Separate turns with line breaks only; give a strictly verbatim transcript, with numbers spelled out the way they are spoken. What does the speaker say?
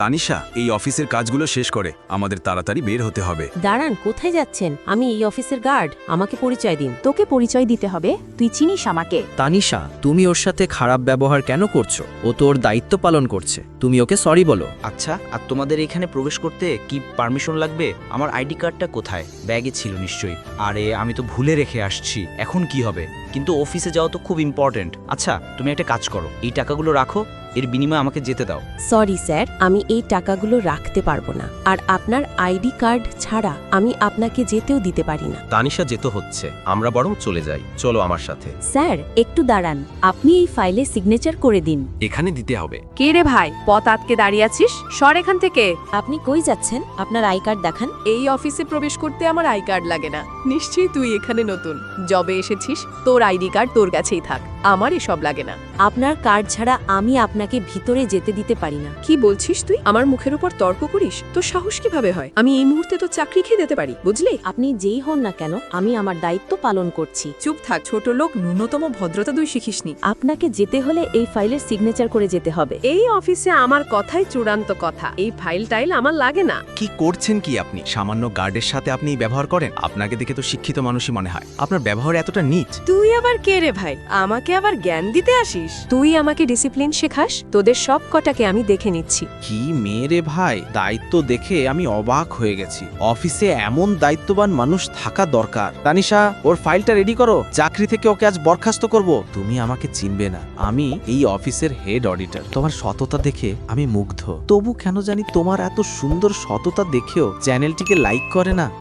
তানিশা, এই অফিসের কাজগুলো শেষ করে আমাদের তাড়াতাড়ি বের হতে হবে।
দাঁড়ান, কোথায় যাচ্ছেন? আমি এই অফিসের গার্ড, আমাকে পরিচয় দিন।
তোকে পরিচয় দিতে হবে, তুই চিনিস আমাকে।
তানিশা, তুমি ওর সাথে খারাপ ব্যবহার কেন করছো? ও তো ওর দায়িত্ব পালন করছে, তুমি ওকে সরি বলো।
আচ্ছা, আর তোমাদের এখানে প্রবেশ করতে কি পারমিশন লাগবে? আমার আইডি কার্ডটা কোথায়? ব্যাগে ছিল নিশ্চয়ই। আরে আমি তো ভুলে রেখে আসছি, এখন কি হবে? কিন্তু অফিসে যাওয়া তো খুব ইম্পর্টেন্ট। আচ্ছা, তুমি একটা কাজ করো, এই টাকাগুলো রাখো, এর বিনিময়ে আমাকে যেতে দাও।
সরি স্যার, আমি এই টাকাগুলো রাখতে পারবো না, আর আপনার আইডি কার্ড ছাড়া আমি আপনাকে যেতেও দিতে পারি না।
তানিশা যেতে হচ্ছে, আমরা বরং চলে যাই, চলো আমার সাথে।
স্যার একটু দাঁড়ান, আপনি এই ফাইলে সিগনেচার করে দিন।
এখানে দিতে হবে।
কে রে ভাই, পথ আটকে দাঁড়িয়ে আছিস? সর এখান থেকে।
আপনি কই যাচ্ছেন? আপনার আই কার্ড দেখান।
এই অফিসে প্রবেশ করতে আমার আই কার্ড লাগে না। নিশ্চয়ই তুই এখানে নতুন, জবে এসেছিস, তোর আইডি কার্ড তোর কাছেই থাক, আমার এসব লাগে না।
আপনার কার্ড ছাড়া আমি আপনাকে ভিতরে যেতে দিতে পারি না।
কি বলছিস তুই? আমার মুখের উপর তর্ক করিস? তোর সাহস কিভাবে হয়? আমি এই মুহূর্তে তো চাকরি খেয়ে দিতে পারি, বুঝলি?
আপনি যেই হন না কেন, আমি আমার দায়িত্ব পালন করছি।
চুপ থাক, ছোট লোক, ন্যূনতম ভদ্রতা তুই শিখিসনি।
আপনাকে যেতে হলে এই ফাইলের সিগনেচার করে যেতে হবে।
এই অফিসে আমার কথাই চূড়ান্ত কথা, এই ফাইল টাইল আমার লাগে না।
কি করছেন কি আপনি? সামান্য গার্ডের সাথে আপনি এই ব্যবহার করেন? আপনাকে দেখে তো শিক্ষিত মানুষই মনে হয়, আপনার ব্যবহার এতটা নীচ।
তুই আবার কে রে ভাই, আমাকে আবার জ্ঞান দিতে আসিস? তুই আমাকে ডিসিপ্লিন শেখাস? তোদের সব কটাকে আমি দেখে নিচ্ছি।
কি মেয়ে ভাই, দায়িত্ব দেখে আমি অবাক হয়ে গেছি। অফিসে এমন দায়িত্ববান মানুষ থাকা দরকার। তানিশা, ওর ফাইলটা রেডি করো, চাকরি থেকে ওকে আজ বরখাস্ত করব। তুমি আমাকে চিনবে না, আমি এই অফিসের হেড অডিটর। তোমার সততা দেখে আমি মুগ্ধ, তবু কেন জানি তোমার এত সুন্দর সততা দেখেও চ্যানেলটিকে লাইক করে না।